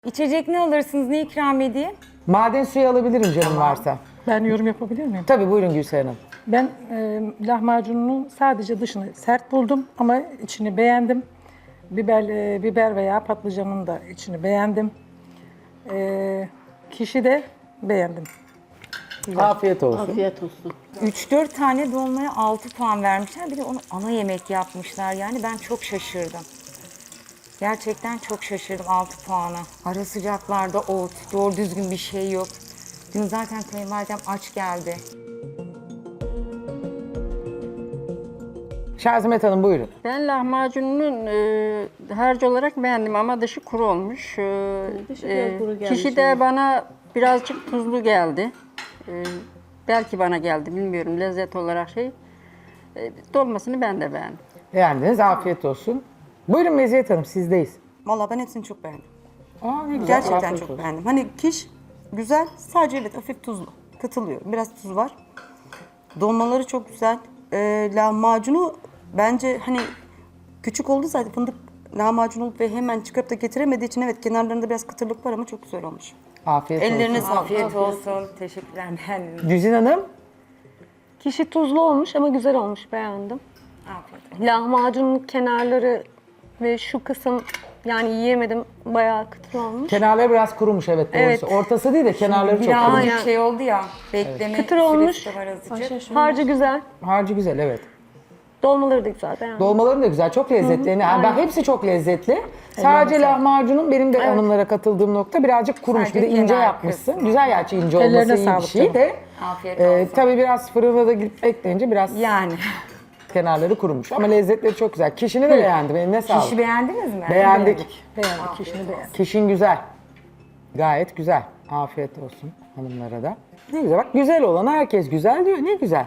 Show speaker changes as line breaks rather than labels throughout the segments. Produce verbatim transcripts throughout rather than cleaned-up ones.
İçecek ne alırsınız, ne ikram edeyim?
Maden suyu alabilirim canım varsa.
Ben yorum yapabilir miyim?
Tabii buyurun Gülseren Hanım.
Ben e, lahmacunun sadece dışını sert buldum ama içini beğendim. Biber, e, biber veya patlıcanın da içini beğendim. E, kişi de beğendim.
Afiyet olsun.
Afiyet olsun.
üç dört tane dolmaya altı puan vermişler. Bir de onu ana yemek yapmışlar. Yani ben çok şaşırdım. Gerçekten çok şaşırdım altı puana. Ara sıcaklarda ot, doğru düzgün bir şey yok. Dün zaten kayınvalidem aç geldi.
Şazimet Hanım buyurun.
Ben lahmacunun e, harcı olarak beğendim ama dışı kuru olmuş. E,
Dışı biraz kuru gelmiş,
kişi de
evet.
bana birazcık tuzlu geldi. E, belki bana geldi bilmiyorum lezzet olarak şey. E, dolmasını ben de beğendim.
Beğendiniz, afiyet olsun. Buyurun Meziyet Hanım, sizdeyiz.
Vallahi ben hepsini çok beğendim.
Aa, ne güzel,
Gerçekten
afiyet
çok
olsun.
beğendim. Hani kiş güzel, sadece evet hafif tuzlu. Katılıyorum. Biraz tuz var. Dolmaları çok güzel. Ee, lahmacunu bence hani küçük oldu zaten fındık lahmacun olup ve hemen çıkarıp da getiremediği için evet kenarlarında biraz kıtırlık var ama çok güzel olmuş.
Afiyet
Ellerine
olsun.
sağlık.
Afiyet olsun. Teşekkürler, beğendim.
Güzin Hanım,
Kişi tuzlu olmuş ama güzel olmuş, beğendim.
Afiyet olsun.
Lahmacunun kenarları ve şu kısım yani yiyemedim, bayağı kıtır olmuş.
kenarları biraz kurumuş evet doğrusu.
Evet.
Ortası değil de kenarları çok
Birazcık
kurumuş.
şey oldu ya, bekleme
Kıtır
süresi
olmuş.
de var azıcık.
Harcı güzel,
Harcı güzel evet.
dolmaları da güzel, beğendim.
Dolmaları da güzel, çok lezzetli. Yani ben hepsi çok lezzetli. Sadece lahmacunun benim de hanımlara katıldığım nokta birazcık kurumuş.
Sadece
bir de ince
kenar
yapmışsın.
kısmı.
Güzel gerçi ince
Ellerine
olması iyi bir
sağlık
şey
canım.
de.
Afiyet
e,
olsun.
tabii biraz fırına da gidip bekleyince biraz
Yani.
kenarları kurumuş. Ama lezzetleri çok güzel. Kişini de beğendim. Eline sağlık.
Kişi beğendiniz mi?
Beğendik.
Beğendim, kişini beğendim.
Kişin güzel. Gayet güzel. Afiyet olsun hanımlara da. Ne güzel. Bak güzel olan herkes güzel diyor. Ne güzel.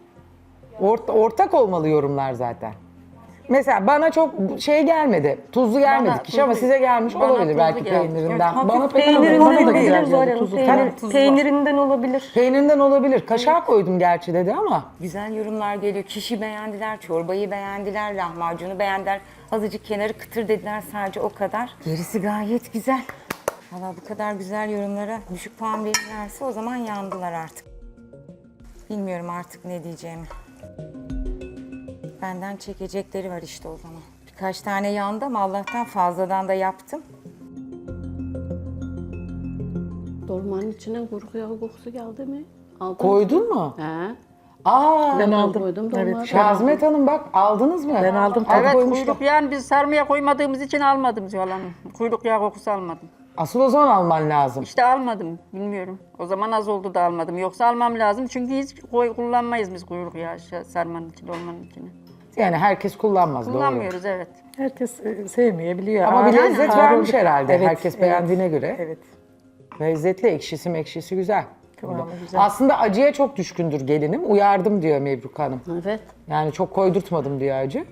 Orta, ortak olmalı yorumlar zaten. Mesela bana çok şey gelmedi. Tuzlu gelmedi
Bana
kişi ama
tuzlu-
size gelmiş
bana
olabilir
tuzlu
belki
geldi.
peynirinden.
Evet,
bana
hafif
pek
peynirinden
bana da
olabilir.
güzel
Peynirinden
geldi.
Zuhal Hanım,
Tuzlu.
peynir-
Tabii,
tuzu var.
peynirinden olabilir.
peynirinden olabilir. Kaşar koydum gerçi dedi ama.
Güzel yorumlar geliyor. Kişi beğendiler, çorbayı beğendiler, lahmacunu beğendiler. Azıcık kenarı kıtır dediler sadece o kadar. Gerisi gayet güzel. Valla bu kadar güzel yorumlara düşük puan verirlerse o zaman yandılar artık. Bilmiyorum artık ne diyeceğimi. Benden çekecekleri var işte o zaman. Birkaç tane yandı ama Allah'tan fazladan da yaptım.
Dolmanın içine kuru yağı kokusu geldi mi? Aldın
Koydun mu?
He.
Aa,
Ben
Ben
aldım.
koydum
Evet.
dolmaları.
Şazimet Hanım bak aldınız mı?
Ben aldım, tabii
Evet
koymuşlar.
kuyruk yağını biz sarmaya koymadığımız için almadım Zuhal Hanım. Kuyruk yağı kokusu almadım.
Asıl o zaman alman lazım.
İşte almadım bilmiyorum. O zaman az oldu da almadım. Yoksa almam lazım çünkü hiç koy, kullanmayız biz kuyruk yağı şey, sarmanın için, dolmanın içine.
Yani herkes kullanmaz doğru.
Kullanmıyoruz evet.
Herkes e, sevmeyebiliyor.
Ama bir
Ağır-
lezzet
ağır
vermiş
oldu.
herhalde.
Evet,
Herkes
evet.
beğendiğine göre.
Evet.
Lezzetli, ekşisi mekşisi güzel.
Kıvamı güzel.
Aslında acıya çok düşkündür gelinim. Uyardım diyor Mebruk Hanım.
Evet.
Yani çok koydurtmadım diyor acı.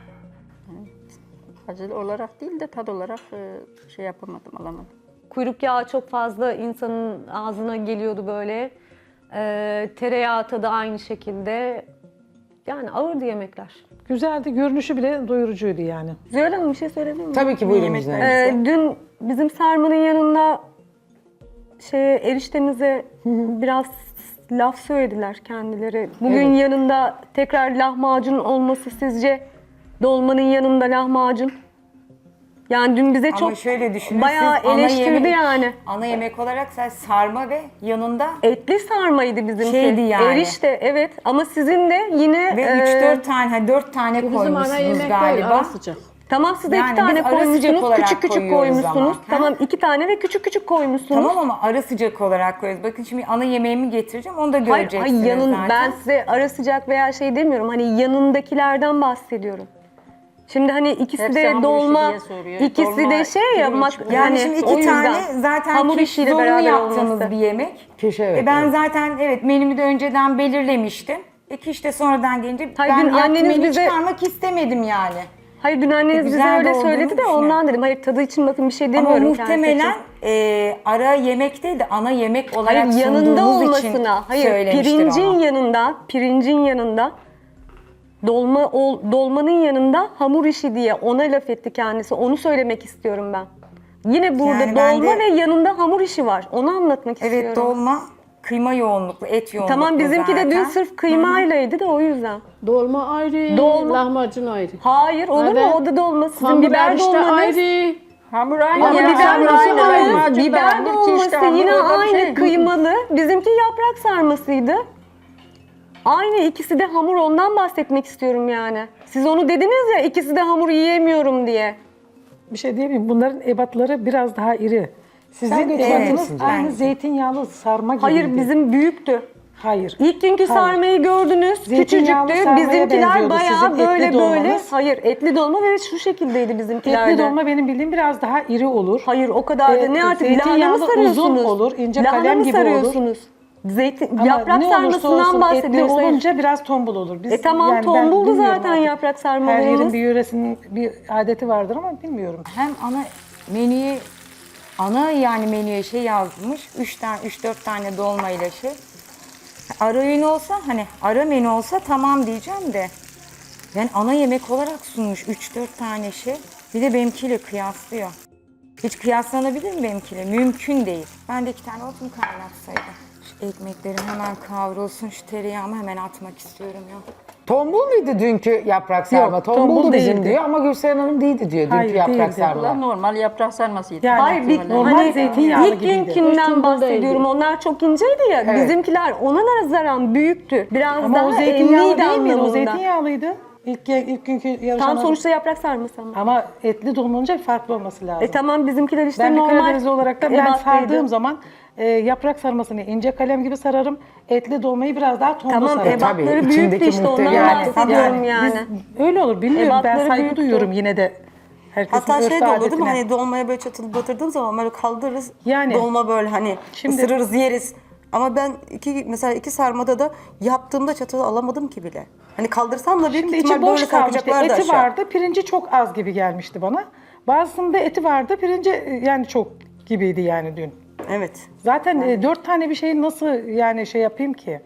Acı olarak değil de tad olarak e, şey yapamadım, alamadım.
Kuyruk yağı çok fazla insanın ağzına geliyordu böyle. Ee, tereyağı tadı aynı şekilde. Yani ağırdı yemekler.
Güzeldi, görünüşü bile doyurucuydu yani.
Zuhal Hanım bir şey söyleyebilir miyim?
Tabii ki buyurun
Yemekler
Müjde Hanım.
Ee, dün bizim sarmanın yanında şey eriştenize biraz laf söylediler kendileri. Bugün
Evet.
yanında tekrar lahmacun olması sizce dolmanın yanında lahmacun? Yani dün bize
Ama
çok
şöyle düşünün.
bayağı
siz ana
eleştirdi
yemek-
yani.
Ana yemek olarak sen sarma ve yanında
Etli sarmaydı bizimki.
Şeydi yani.
Erişte evet ama sizin de yine
ve
e,
üç dört tane, ha dört tane
Bizim ana
koymuşsunuz
yemek değil,
galiba.
ara sıcak.
tamam siz de
Yani
iki tane
biz ara sıcak
koymuşsunuz.
olarak
Küçük küçük
koyuyoruz
koymuşsunuz.
ama, ha?
Tamam iki tane ve küçük küçük koymuşsunuz.
Tamam ama ara sıcak olarak koyuyoruz. Bakın şimdi ana yemeğimi getireceğim, onu da
Hayır,
göreceksiniz
hayır yanın,
zaten.
ben size ara sıcak veya şey demiyorum. Hani yanındakilerden bahsediyorum. Şimdi hani ikisi
Hepsi
de
hamur
dolma,
işi diye soruyor.
ikisi
Dolma
de şey ya.
pirinç
mak-
mi?
Yani
hani
şimdi
o
iki
yüzden.
tane zaten
hamur
kiş
işiyle
zorunlu
beraber
yaptığımız
olması.
bir yemek.
Kiş evet.
E ben
evet.
zaten evet menümü de önceden belirlemiştim. E kiş de sonradan gelince
Hayır,
ben
dün
yaptığım
anneniz
menüyü
bize-
çıkarmak istemedim yani.
Hayır dün anneniz bize
güzel de
öyle
olduğunu
söyledi de
düşünüyorum.
ondan dedim. Hayır tadı için bakın bir şey
Ama
demiyorum
muhtemelen
kendisi
e, ara yemek değil de ana yemek olarak
Hayır yanında
sunduğumuz için
olmasına, hayır
söylemiştir
pirincin
onu.
yanında, pirincin yanında dolma ol, dolmanın yanında hamur işi diye ona laf etti kendisi. Onu söylemek istiyorum ben. Yine burada
Yani ben
dolma
de-
ve yanında hamur işi var. Onu anlatmak
Evet
istiyorum.
dolma kıyma yoğunluklu, et yoğunluklu
Tamam bizimki de dün
zaten.
sırf kıymaylaydı da o yüzden.
Dolma ayrı,
Dolma-
lahmacun ayrı.
Hayır olur mu?
Evet.
O da dolma. Sizin
Hamur
biber
erişte
dolmanız.
ayrı.
Hamur aynı.
Ama
ya,
biber
hamur
dolması
aynı.
aynı.
Lahmacun da
Biber
hamur, kiş de
dolması
hamur,
yine
o da bir
aynı
şey.
kıymalı. Bizimki yaprak sarmasıydı. Aynı ikisi de hamur, ondan bahsetmek istiyorum yani. Siz onu dediniz ya, ikisi de hamur yiyemiyorum diye.
Bir şey diyeyim, bunların ebatları biraz daha iri. Sizin
Sen de
ebatınız
evet,
aynı
bence.
zeytinyağlı sarma gibi.
Hayır bizim büyüktü.
Hayır.
İlk günkü
Hayır.
sarmayı gördünüz,
Zeytinyağlı
küçücüktü.
sarmaya
Bizimkiler
benziyordu
bayağı
sizin etli
böyle böyle.
dolmanız.
Hayır, etli dolma ve şu şekildeydi bizimkilerde.
Etli dolma benim bildiğim biraz daha iri olur.
Hayır o kadar da
Ee,
ne artık lahana mı
zeytinyağlı
sarıyorsunuz?
uzun olur, ince
Lahana
kalem
mı
gibi olur.
sarıyorsunuz? Zeytin,
Ama
yaprak
ne olursa
sarmasından
olsun etli
bahsediyoruz. Hayır.
olunca biraz tombul olur. Biz,
E tamam,
ben
tombuldu
bilmiyorum
zaten
artık.
yaprak
Her
sarmalarımız.
yerin bir yöresinin bir adeti vardır ama bilmiyorum.
Hem ana menüye ana yani menüye şey yazmış. üç tane üç dört tane dolma ile şey. Ara öğün olsa hani ara menü olsa tamam diyeceğim de. Yani ana yemek olarak sunmuş üç dört tane şey. Bir de benimkiyle kıyaslıyor. Hiç kıyaslanabilir mi benimkiyle? Mümkün değil. Ben de iki tane ot mu kaynatsaydım? Şu ekmeklerim hemen kavrulsun. Şu tereyağımı hemen atmak istiyorum ya.
Tombul muydu dünkü yaprak sarma?
Yok,
Tombuldu
tombul
bizim
değildi.
diyor ama Gülseren Hanım değildi diyor dünkü
Hayır,
yaprak
değildi.
Ulan
sarma.
normal yaprak sarmasıydı.
Yani
Hayır, bir,
normal
hani
zeytinyağlı
ilk
gibiydi.
günkinden bahsediyorum. Onlar çok inceydi ya.
Evet.
Bizimkiler ona nazaran büyüktü. Biraz
Ama
daha
o zeytinyağlı
emmiydi
değil miydi? O
anlamında.
zeytinyağlıydı. İlk, ilk günkü yarışan
Tam sonuçta yaprak sarması ama.
Ama etli dolma olunca farklı olması lazım.
E tamam bizimkiler işte
Ben bir
normal.
Karadenizli olarak da ben
ebatlıydı.
sardığım zaman e, yaprak sarmasını ince kalem gibi sararım. Etli dolmayı biraz daha tombul
Tamam
sararım.
tabii,
ebatları büyüktü
içindeki
işte ondan
muhteşem-
bahsediyorum
Yani
yani.
biz- öyle olur bilmiyorum. Ben
Ebatları
saygı
büyüktü.
duyuyorum yine de. Herkesin
Hatta
örf
şey
ve
de olur değil mi?
adetine.
Hani dolmaya böyle çatılı batırdığım zaman böyle kaldırırız.
Yani.
Dolma böyle hani
Şimdi-
ısırırız yeriz. Ama ben iki mesela iki sarmada da yaptığımda çatalı alamadım ki bile. Hani kaldırsam da büyük
Şimdi
ihtimal
içi boş
böyle
kalmıştı.
sarkacaklardı
Eti
aşağı.
vardı, pirinci çok az gibi gelmişti bana. Bazısında eti vardı, pirinci e, yani çok gibiydi yani dün.
Evet.
Zaten e, dört tane bir şeyi nasıl yani şey yapayım ki?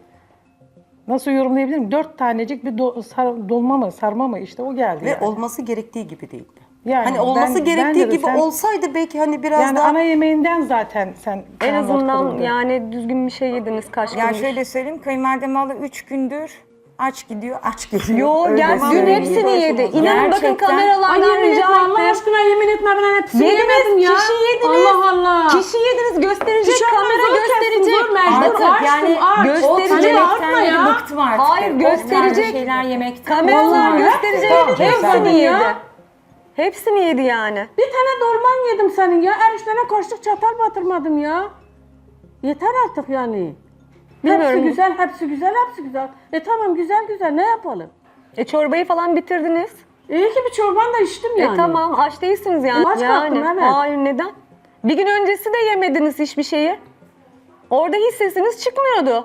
Nasıl yorumlayabilirim? Dört tanecik bir do- sar- dolma mı, sarma mı işte o geldi
Ve
yani.
olması gerektiği gibi değildi.
Yani
hani olması
ben-
gerektiği
bence de
gibi
sen-
olsaydı belki hani biraz
Yani
daha
ana yemeğinden zaten sen
En
puanlar
azından
kırıldı.
yani düzgün bir şey yediniz kaç
Ya
gündür.
şöyle söyleyeyim, kayınvalidem valla üç gündür aç gidiyor, aç geliyor.
Yo
Öyle
gel dün
söyleyeyim.
hepsini yedi. İnanın bakın
Gerçekten.
kameralardan
Ay yemin
rica
etme Allah
ettim.
aşkına yemin etme ben hepsini
Yediniz,
yemedim ya.
kişi yediniz.
Allah Allah.
Kişi yediniz gösterecek,
Kişi
kamera
zor kestim,
gösterecek.
zor mecbur.
Artık
Açtım,
yani
aç.
gösterecek.
O
Yemekten
artma
de
ya.
bıktım artık.
Hayır,
O
gösterecek.
tarzı şeyler yemekten
Kameralar
bıktım artık.
gösterecek.
Tamam canım, sen
Hepsini
de.
yedi.
Ya.
Hepsini yedi yani.
Bir tane dolman yedim senin ya. Eriştene kaşık çatal batırmadım ya. Yeter artık yani.
Bilmiyorum.
Hepsi güzel, hepsi güzel, hepsi güzel. E tamam güzel güzel ne yapalım?
E çorbayı falan bitirdiniz.
İyi ki bir çorban da içtim yani.
E tamam aç değilsiniz yani.
Aç kalktım,
yani.
evet.
Hayır neden? Bir gün öncesi de yemediniz hiçbir şeyi. Orada hiç sesiniz çıkmıyordu.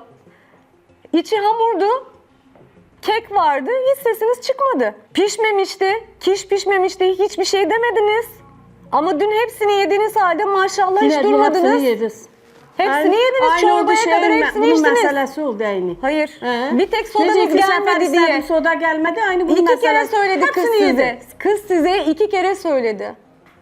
İçi hamurdu. Kek vardı, hiç sesiniz çıkmadı. Pişmemişti, kiş pişmemişti, hiçbir şey demediniz. Ama dün hepsini yediğiniz halde maşallah
Yine
hiç
de
durmadınız.
Hepsini yediniz.
Hepsini yediniz,
Aynı oldu
çorbaya
şey
kadar
mi?
hepsini
Bunun
içtiniz.
meselesi oldu aynı.
Hayır,
He?
bir tek
Nece
sodanız
iki sefer
gelmedi
istedim,
diye.
soda gelmedi aynı bunun
İki
meselesi.
kere söyledi kız
Hepsini
size.
yedi.
Kız size iki kere söyledi.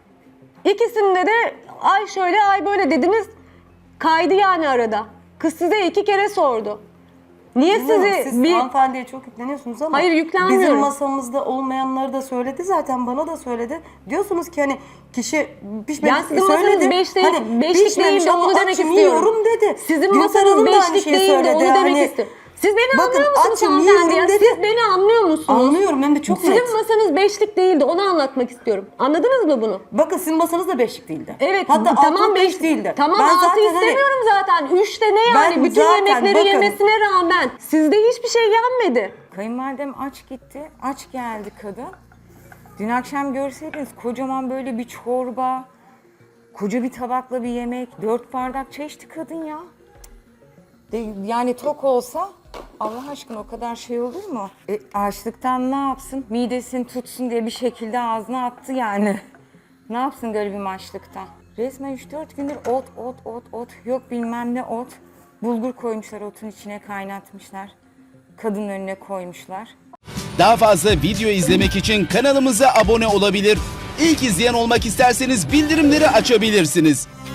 İkisinde de ay şöyle ay böyle dediniz. Kaydı yani arada. Kız size iki kere sordu. Niye
Bilmiyorum,
sizi
siz
bir...
hanımefendiye çok yükleniyorsunuz ama
Hayır, yüklenmiyorum.
bizim masamızda olmayanları da söyledi zaten bana da söyledi. Diyorsunuz ki hani kişi pişmemiş
Yani sizin
söyledi.
masanız beş değil,
Hani
beşlik
pişmemiş
değil de
ama
onu demek
açım
istiyorum.
yiyorum dedi.
Sizin
Gülseren
masanız
Hanım da aynı
beşlik
şeyi
değil de onu
söyledi.
demek
Hani-
istiyorum. Siz beni
Bakın,
anlıyor musunuz
açım,
hanımefendi ya?
yiyorum dedi.
Siz beni anlıyor musunuz?
Anlıyorum hem de çok
Sizin
net.
masanız beşlik değildi onu anlatmak istiyorum. Anladınız mı bunu?
Bakın sizin masanız da beşlik değildi.
Evet
Hatta
tamam
altı
beş
beş değildi.
Tamam
Ben
altı
zaten hani-
istemiyorum zaten. Üçte ne yani?
Ben
Bütün
zaten
yemekleri
bakın-
yemesine rağmen sizde hiçbir şey yenmedi.
Kayınvalidem aç gitti, aç geldi kadın. Dün akşam görseydiniz kocaman böyle bir çorba, koca bir tabakla bir yemek, dört bardak çay içti kadın ya. De, yani tok olsa Allah aşkına o kadar şey olur mu? E, açlıktan ne yapsın? Midesini tutsun diye bir şekilde ağzına attı yani. Ne yapsın garibim açlıktan? Resmen üç dört gündür ot, ot, ot, ot. Yok bilmem ne ot. Bulgur koymuşlar otun içine kaynatmışlar. Kadının önüne koymuşlar.
Daha fazla video izlemek için kanalımıza abone olabilir. İlk izleyen olmak isterseniz bildirimleri açabilirsiniz.